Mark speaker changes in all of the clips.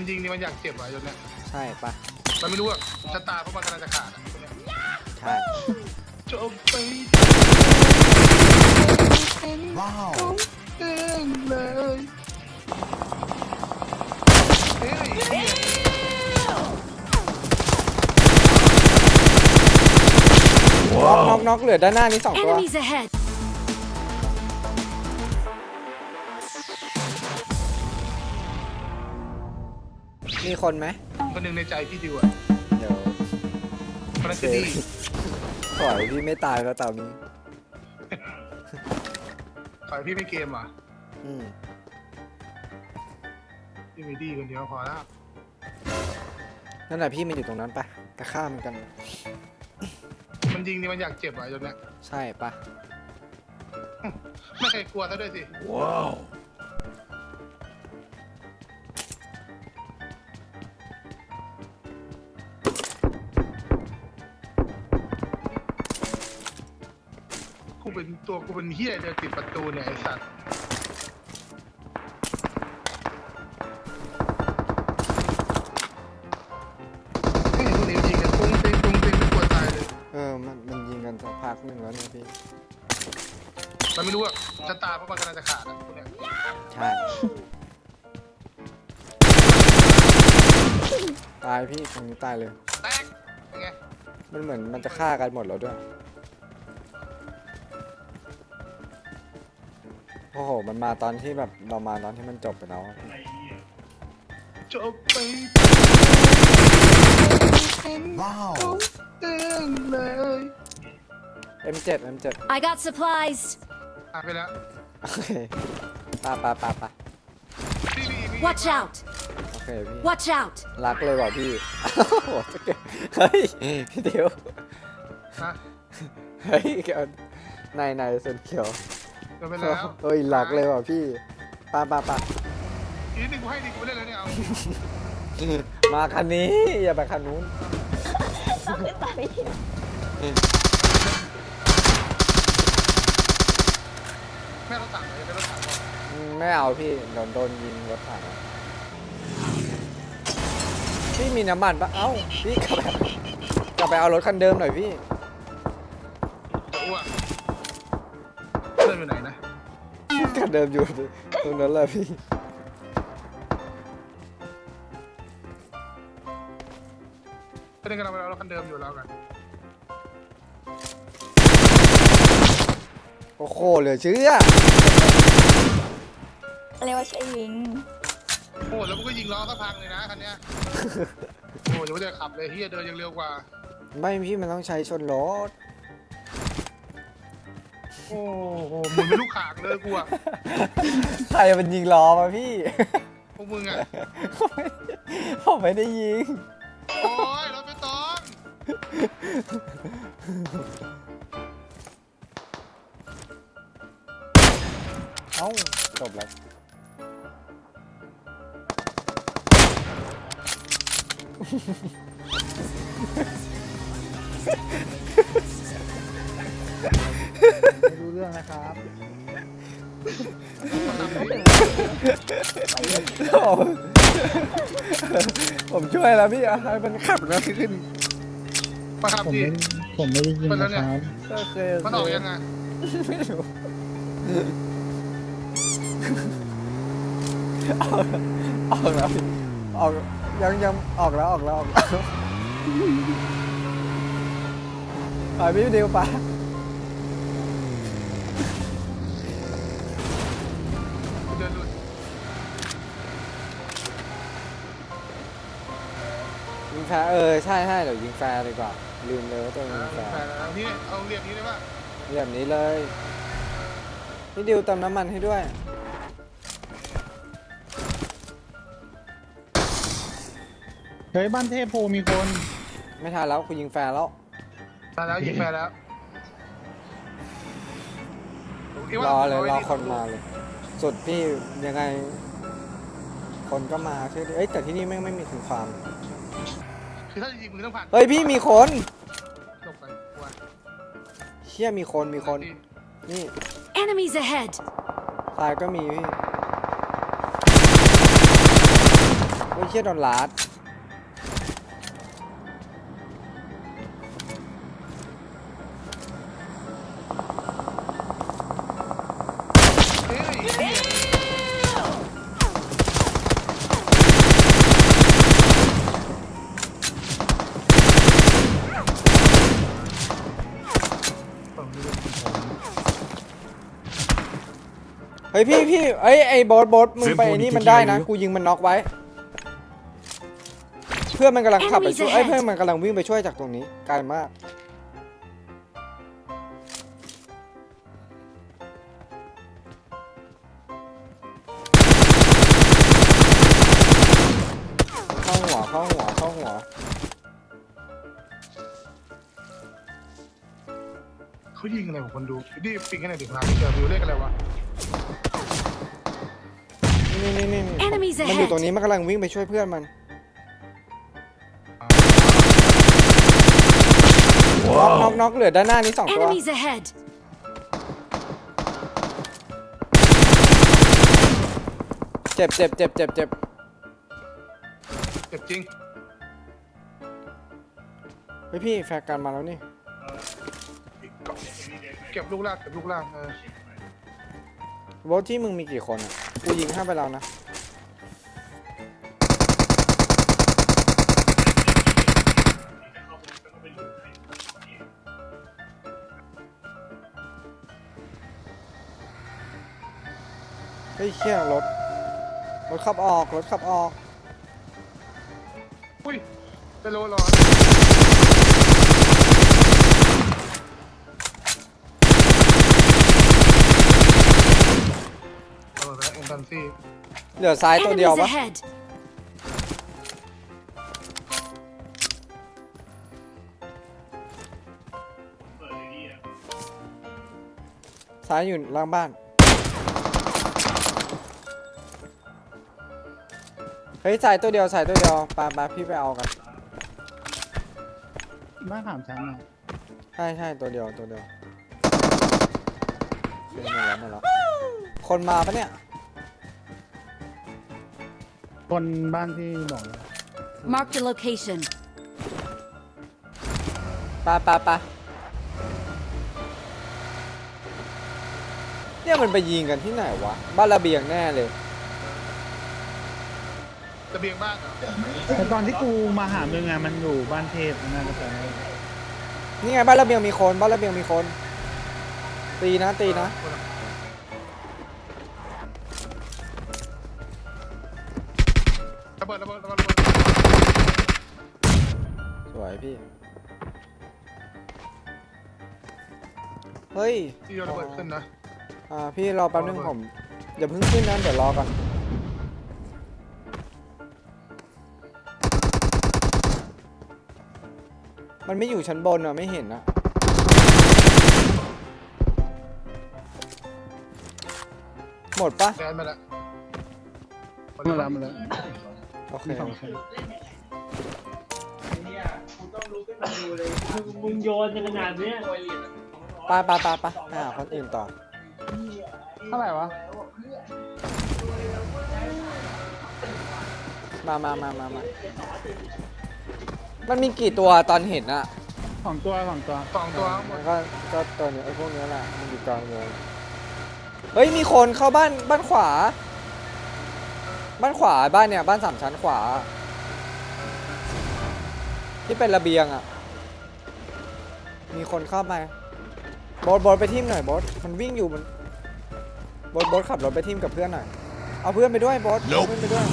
Speaker 1: มันยิงนี่มันอยากเจ็บอ่ะจนเนี้ย
Speaker 2: ใช่ปะ
Speaker 1: มันไม่รู้ว่าชะตาเพราะมันกำลังจะขาดอ่ะ
Speaker 2: ใช่
Speaker 1: จบไปว้าวเองเลยเฮ้ย
Speaker 2: น็อกเหลือด้านหน้านี้2 ตัว
Speaker 3: Enemies ahead.
Speaker 2: มีคนไหม
Speaker 1: คนหนึ่งในใจพี่ดิวอ่ะ
Speaker 2: เดี๋ยว
Speaker 1: คนนั้นคือดี
Speaker 2: ขอให้พี่ไม่ตายแล้วตอนนี้
Speaker 1: ขอให้พี่ไม่เกมอ่ะ
Speaker 2: อืม
Speaker 1: พี่มีดีคนเดียวพอแล้ว
Speaker 2: นั่นแหละพี่มันอยู่ตรงนั้นปะกระข้ามกัน
Speaker 1: มันยิงนี่มันอยากเจ็บอ่ะจนเนี้ย
Speaker 2: ใช่ปะ
Speaker 1: ไม่เคยกลัวซะด้วยสิว้าวกูเป็นเฮียเดินติดประตูเนี่ยไอ้สัตว์ไม่เห็นคนอื่นยิงกันปุ้งเต็งไม่กลัวตายเลย
Speaker 2: มันยิงกันสักพักหนึ่งแล้วเนี่ยพี่
Speaker 1: มันไม่รู้ว่าชะตาเพราะมันกำลังจะขาดอ่ะพวกเนี้ย
Speaker 2: ใช่ตายพี่ตรงนี้ตายเลย
Speaker 1: แตกยังไง
Speaker 2: มันเหมือนมันจะฆ่ากันหมดแล้วด้วยโอ้โหมันมาตอนที่แบบเรามาตอนที่มันจบไปแล้วอะ
Speaker 1: จบไปว้าวเองเลย
Speaker 2: M7
Speaker 3: I got supplies.
Speaker 1: ไปแล้ว
Speaker 2: โอเคปะ
Speaker 1: พี่
Speaker 3: Watch out.
Speaker 2: โอเคพี่
Speaker 3: Watch out.
Speaker 2: รักเลยว่ะพี่ โอ้โหเฮ้ยพี่เดียว
Speaker 1: ฮะ
Speaker 2: เฮ้ยเกี่ยวในส่วนเขียว
Speaker 1: ก็ไปแล้ว
Speaker 2: เฮ้ยรักเลยว่ะพี่ปะ
Speaker 1: อีกนิดนึงกูให้ดิกูไปเล่นแล้วเนี่ยเอา
Speaker 2: มาคันนี้อย่าไปคันนู้น
Speaker 1: แม่รถถังเลยเป็นรถถังก่อน
Speaker 2: ไม่เอาพี่โดนยิงรถถังอะพี่มีน้ำมันปะเอ้าพี่กลับไปเอารถคันเดิมหน่อยพี่
Speaker 1: จะอ้วกเพื่อนอยู่ไหนนะ
Speaker 2: คันเดิมอยู่ตรงนั้นแหละพี่
Speaker 1: เพื่อนกำลังไปเอารถคันเดิมอยู่แล้วกัน
Speaker 2: โอ้โหเหลือเชื่อ
Speaker 4: เรียกว่าใช่ยิง
Speaker 1: โอ้แล้วกูก็ยิงล้อสักพังเลยนะคันเนี้ยโอ้ยังไม่ได้ขับเลยเฮียเดินยังเร็วกว่า
Speaker 2: ไม่พี่มันต้องใช้ชนรถ
Speaker 1: โอ้โหมึงเป็นลูกขางเลยกูอะ
Speaker 2: ใครมันยิงล้อมาพี่
Speaker 1: พวกมึงอะ
Speaker 2: ผมไม่ได้ยิง
Speaker 1: โอ้ยรถไม่ต้อง
Speaker 2: เอ้าจบแล้ว
Speaker 5: ไม่รู้เรื่องนะครับ
Speaker 2: ผมช่วยแล้วพี่อะให้มันขับนะขึ้น
Speaker 1: มาขับ
Speaker 5: ผม
Speaker 1: ดิ
Speaker 5: ไม่ได้ยินนะครับ
Speaker 2: โอเค
Speaker 1: มันออกยังไง
Speaker 2: ไม่รู้ออกแล้วพี่ออกยังออกแล้วไปพี่เดียวไป
Speaker 1: เดินหลุด
Speaker 2: ยิงแฟร์ใช่เดี๋ยวยิงแฟร์ดีกว่าลืมเลยว่าตัวยิงแฟร์
Speaker 1: แฟนแล้วนี่เอาเรียบนี้ได้ป่ะ
Speaker 2: แบบนี้เลยพี่ดิวเติมน้ำมันให้ด้วย
Speaker 5: เฮ้ยบ้านเทพโพมีคน
Speaker 2: ไม่ทันแล้วคุณยิงแฟร์แล้ว
Speaker 1: มาแล้วยิงแฟนแล้ว
Speaker 2: รอเลยรอคนมาเลย สุดพี่ยังไง คนก็มาเชื่อดิแต่ที่นี่ไม่มีถึงฟาร์ม
Speaker 1: คือถ้าจะยิงมึงต้องผ่าน
Speaker 2: เฮ้ยพี่มีคน
Speaker 1: จบไปกลัว
Speaker 2: เชี่ยมีคนนี่
Speaker 3: Enemies ahead.
Speaker 2: ตายก็มีพี่โอ้ยเชี่ยโดนลัด
Speaker 1: เฮ้ยเหี้ยฝั่งนี้เป็นของผม
Speaker 2: เฮ้ยพี่ไอ้บอสมึงไปไอ้นี่มันได้นะกูยิงมันน็อกไว้ เพื่อนมันกำลังขับไปช่วยเพื่อนมันกำลังวิ่งไปช่วยจากตรงนี้ไกลมากเข้าหัว
Speaker 1: เขายิงอะไรของคนดูดิปิงกันไหนดิพาไปเจอวิวเลขอะไรวะ
Speaker 2: นี่
Speaker 3: Enemies
Speaker 2: มันอยู่
Speaker 3: ahead
Speaker 2: ตรงนี้มันกำลังวิ่งไปช่วยเพื่อนมันน็อกเหลือด้านหน้านี้2 ตัว
Speaker 3: Enemies ahead.
Speaker 2: เจ็บ
Speaker 1: เจ็บจริง
Speaker 2: เฮ้ยพี่แฟร์กันมาแล้วนี่
Speaker 1: เก็บลูกล่าง
Speaker 2: โบทที่มึงมีกี่คนอ่ะกูยิง5ไปแล้วนะเฮ้ยเชี่ยรถขับออก
Speaker 1: อุ้ยจะโลร้อนเอาละเอ็นดันซี่
Speaker 2: เหลือซ้ายตัวเดียว
Speaker 3: Enemies
Speaker 2: ปะ
Speaker 3: ahead.
Speaker 2: ซ้ายอยู่ล่างบ้านเฮ้ยซ้ายตัวเดียวปาพี่ไปเอากัน
Speaker 5: บ้านถามชั้นอ่ะ
Speaker 2: ใช่ตัวเดียวหมดแล้วคนมาปะเนี่ย
Speaker 5: คนบ้านที่บอกเลย
Speaker 3: Mark the location.
Speaker 2: ปะเนี่ยมันไปยิงกันที่ไหนวะบ้านระเบียงแน่เลย
Speaker 1: ระเบียงบ้านเหรอ
Speaker 5: แต่ตอนที่กูมาหามึงอ่ะมันอยู่บ้านเทพน่าจะเป็น
Speaker 2: นี่ไงบ้านระเบียงมีคนตีนะ
Speaker 1: ระเบิด
Speaker 2: สวยพี่เฮ้ย
Speaker 1: ที่ระเบิดขึ้นนะ
Speaker 2: พี่รอแป๊บนึงผมอย่าเพิ่งขึ้นนะเดี๋ยวรอก่อนมันไม่อยู่ชั้นบนอ่ะไม่เห็นนะหมดปะ
Speaker 1: แดนมาแล้ว
Speaker 5: มาแล้ว
Speaker 2: โอเค
Speaker 5: มี2ชั้น
Speaker 4: มึงโยนกันขนาดเนี้ย
Speaker 2: ไปหาคนอื่นต่อ
Speaker 5: เท่าไหร่วะ
Speaker 2: มามันมีกี่ตัวตอนเห็นอะ
Speaker 5: 2 ตัว
Speaker 1: 2 ตัวทั้งหม
Speaker 2: มั
Speaker 1: ด
Speaker 2: นก็ตัวเนี้ยไอ้พวกเนี้ยแหละมันอยู่กลางวงเฮ้ยมีคนเข้าบ้านขวาบ้านเนี่ยบ้าน3 ชั้นขวาที่เป็นระเบียงอะมีคนเข้ามาบอสไปทีมหน่อยบอสมันวิ่งอยู่มันบอสขับรถไปทีมกับเพื่อนหน่อยเอาเพื่อนไปด้วยบอสเอาเพื่อนไปด้วย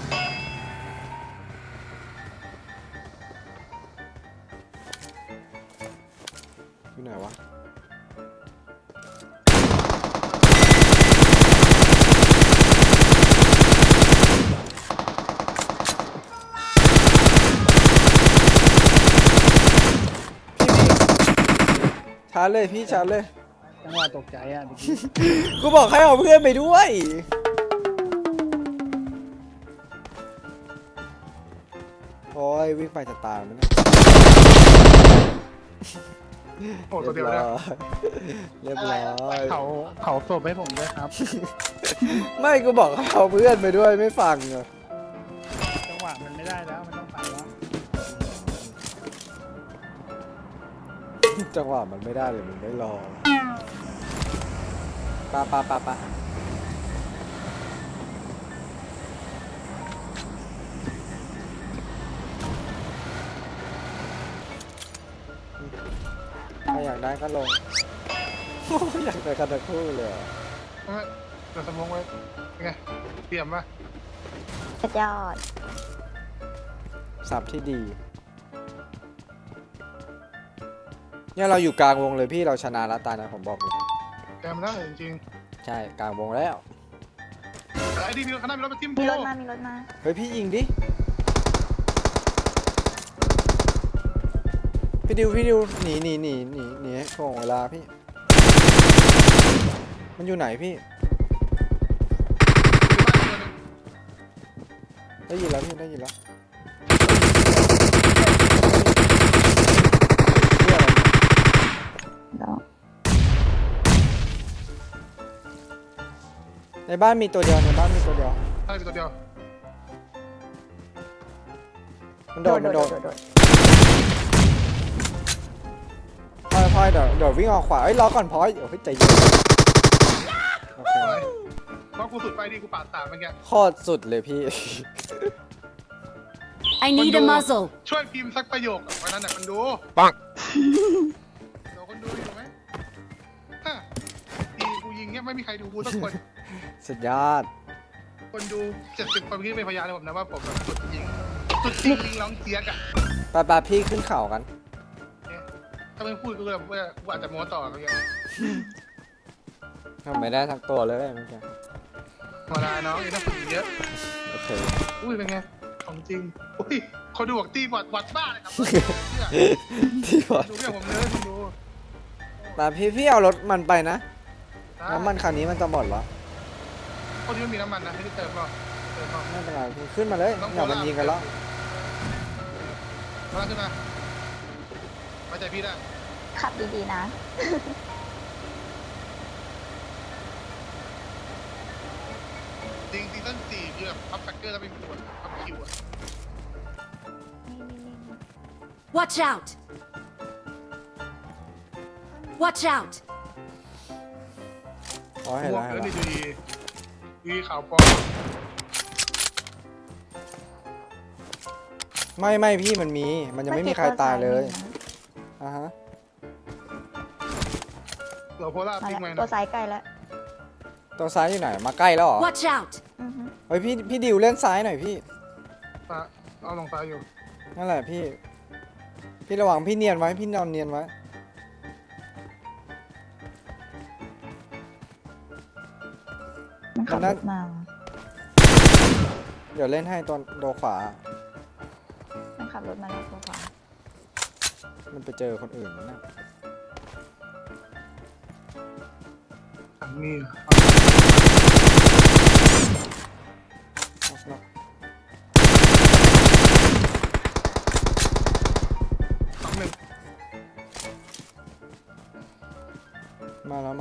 Speaker 2: อยู่ไหนวะชาร์จเลยพี่ชาร์จเลย
Speaker 5: จังหวะตกใจอ่ะ
Speaker 2: กูบอกให้เอาเพื่อนไปด้วยโอ้ยวิ่งไปจะตายมันเนี่ย
Speaker 1: โอ้ตัวเดียวนะ
Speaker 2: เรียบร้อย
Speaker 5: เขาศพให้ผมด้วยครับ
Speaker 2: ไม่กูบอกให้เอาเพื่อนไปด้วยไม่ฟังเลย
Speaker 5: จังหมันไม่ได้แล้วมันต้องไปแล้ว
Speaker 2: จังหวะมันไม่ได้เลยมันไม่รอปะถ้าอยากได้ก็ลง อยากได้กันทั้งคู่เลยอะ
Speaker 1: ไม่เดี๋ยวสมองไว้เป็นไงเตรียมปะ
Speaker 6: สุดยอด
Speaker 2: สับที่ดี เนี่ยเราอยู่กลางวงเลยพี่เราชนะแล้วตานะผมบอกเลย
Speaker 1: แกมได้จริง
Speaker 2: ใช่กลางวงแล้ว
Speaker 1: ๆไอ้ดีมีรถข้างหน้ามีรถมาทิ่ม
Speaker 6: มีรถ
Speaker 1: กู
Speaker 6: มา มีรถมา
Speaker 2: เฮ้ยพี่ยิงดิ พี่ดิวหนีให้ถ่วงเวลาพี่ มันอยู่ไหนพี่ ได้ยินแล้วพี่ได้ยินแล้วเหี้ยอะไรเนี่ย
Speaker 6: แล้ว
Speaker 2: ในบ้านมีตัวเดียวในบ้านมีตัวเดียว
Speaker 1: ใช่เป็นตัวเดียว
Speaker 2: มันโดดพลอยเดี๋ยววิ่งออกขวาเอ้ยรอก่อนพลอยเดี๋ยวใจเย็นโอเค
Speaker 1: สวยเพราะกูสุดไปดิกูปาดสามเมื่อกี้
Speaker 2: โคตรสุดเลยพี่
Speaker 3: I need a muzzle.
Speaker 1: ช่วยพิมพ์สักประโยคกับวันนั้นน่ะมันดูปังเดี๋ยวคนดูอยู่ไหมฮะทีกูยิงเนี่ยไม่มีใครดูกูสักคน
Speaker 2: สุดยอด
Speaker 1: คนดู70 คนที่เป็นพยานเลยผมนะว่าผมแบบสุดยิงยิงร้องเจี๊ยกอ่ะ
Speaker 2: ไปพี่ขึ้นเขากัน
Speaker 1: เนี่ยถ้าไม่พูดก็แบบว่ากูอาจจะโม้ต่ออะไรเงี้ย
Speaker 2: ทำไม่ได้ทั้งตัวเลยเมื่อกี้
Speaker 1: ธรรมดาเนาะยังต้องฝึกอีกเยอะ
Speaker 2: โอเค
Speaker 1: อุ้ยเป็นไงของจริงอุ้ยคนดูบอกตีบอดวัดบ้าเลยครับเ
Speaker 2: ที่บอด
Speaker 1: ดูเรื่องผมเลยคุณดู
Speaker 2: แต่พี่เอารถมันไปนะ
Speaker 1: ได้
Speaker 2: น้ำมันคันนี้มันจะหมดแล้ว
Speaker 1: คนที่ไม่มีน้ำมันนะให้ได้เติมเปล่าเติมเปล่า
Speaker 2: ไม่เป็นไรพี่ขึ้นมาเลยเดี๋ยวมันยิงกันแล้ว
Speaker 1: มาขึ้นมาไว้ใจพี่ได้
Speaker 6: ขับดีๆนะ
Speaker 1: จริงซีซั่น4คือแบบพับแฟกเกอร์แล้วเป็นขวดพับคิวอะ
Speaker 3: Watch out. Watch out.
Speaker 2: อ๋อเห็น
Speaker 1: ม่ว
Speaker 2: แล้
Speaker 1: ง
Speaker 2: วเห็น
Speaker 1: เออ
Speaker 2: แล้
Speaker 1: นี่
Speaker 2: ว
Speaker 1: ดูดีขาวปลอม
Speaker 2: ไม่พี่มันมีมันยังไม่มีใครตายเลยอ่ะฮะ
Speaker 1: เราโพล่า
Speaker 6: มา
Speaker 1: ปิ้ง
Speaker 6: แล้ว
Speaker 1: ไว้
Speaker 6: ตัว
Speaker 1: นะ
Speaker 6: ซ้ายใกล้แล้ว
Speaker 2: ตัวซ้ายอยู่ไหนมาใกล้แล้วเหรอ
Speaker 3: Watch out.
Speaker 6: อือฮึ
Speaker 2: เฮ้ยพี่ดิวเล่นซ้ายหน่อยพี่
Speaker 1: เอาลงซ้ายอยู่
Speaker 2: นั่นแหละพี่ระวังพี่เนียนไว้พี่นอนเนียนไว้
Speaker 6: มันขับรถมา
Speaker 2: เดี๋ยวเล่นให้ตอนโดขวา
Speaker 6: มันขับรถมาแล้วตัวขวา
Speaker 2: มันไปเจอคนอื่นแล้วนะ
Speaker 1: ถังนี่
Speaker 2: เอาสิเนาะ
Speaker 1: 2-1
Speaker 2: มาแล้ว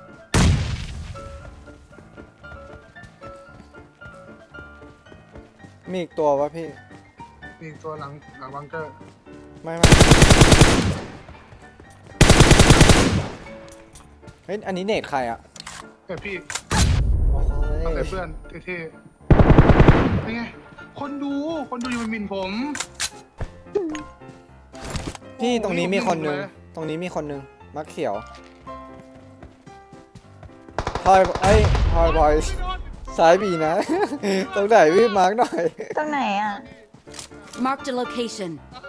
Speaker 2: มีอีกตัววะพี่
Speaker 1: มีตัวหลังบังเกอร์
Speaker 2: ไม่เฮ้ยอันนี้เนตใครอ่ะ
Speaker 1: แต่พี่
Speaker 2: โอ้
Speaker 1: เอาแต่
Speaker 2: ย
Speaker 1: เพื่อนเท่ๆเป็นไงคนดูอยู่มันหมินผม
Speaker 2: พี่ตรงนี้มีคนหนึง
Speaker 1: โอ้โห
Speaker 2: ตรงนี้มีคนหนึงมักเขียวพลอยพลอยซ้ายบีนะ ตรงไหนพี่มาร์กหน่อย
Speaker 6: ตรงไหนอ่ะ
Speaker 3: Marked a location.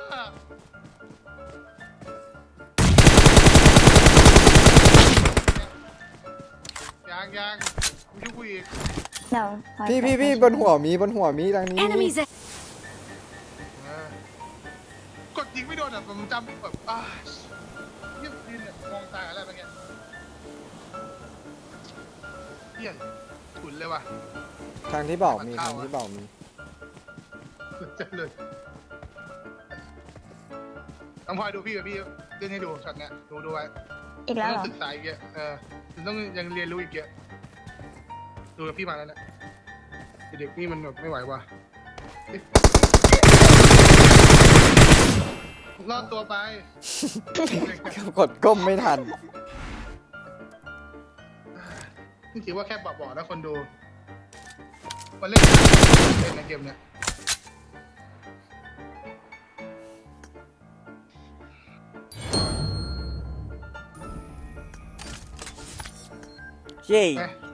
Speaker 1: ยังกูช่วยกูอีก
Speaker 6: เดี๋ยวพลอย
Speaker 2: พี่บนหัวมีทางนี้
Speaker 3: Enemies ahead.
Speaker 1: กดยิงไม่โดนอ่ะผมจำแบบเงียบดินเนี่ยมองตาอะไรแบบเงี้ยเฮียถุนเลยว่ะ
Speaker 2: ทางที่บอกมี
Speaker 1: มันเข้า
Speaker 2: ทางที่บอกมี
Speaker 1: เจ็บเลยต้องพลอยดูพี่กับพี่เล่นให้ดูช็อตเนี้ยดูไว้
Speaker 6: อีกแล้วเหร
Speaker 1: ต้อ
Speaker 6: อ
Speaker 1: งศึกษาอีกเยอะต้องยังเรียนรู้อีกเยอะดูกับพี่มาแล้วเนี่ยเด็กนี่มันแบบไม่ไหวว่ะรอดตัวไป
Speaker 2: กดก้มไม่ทัน
Speaker 1: นี่ถือว่าแค่บอกนะคนดูมาเล่นเป็นในเกมเนี่ย
Speaker 2: เย้
Speaker 1: ไป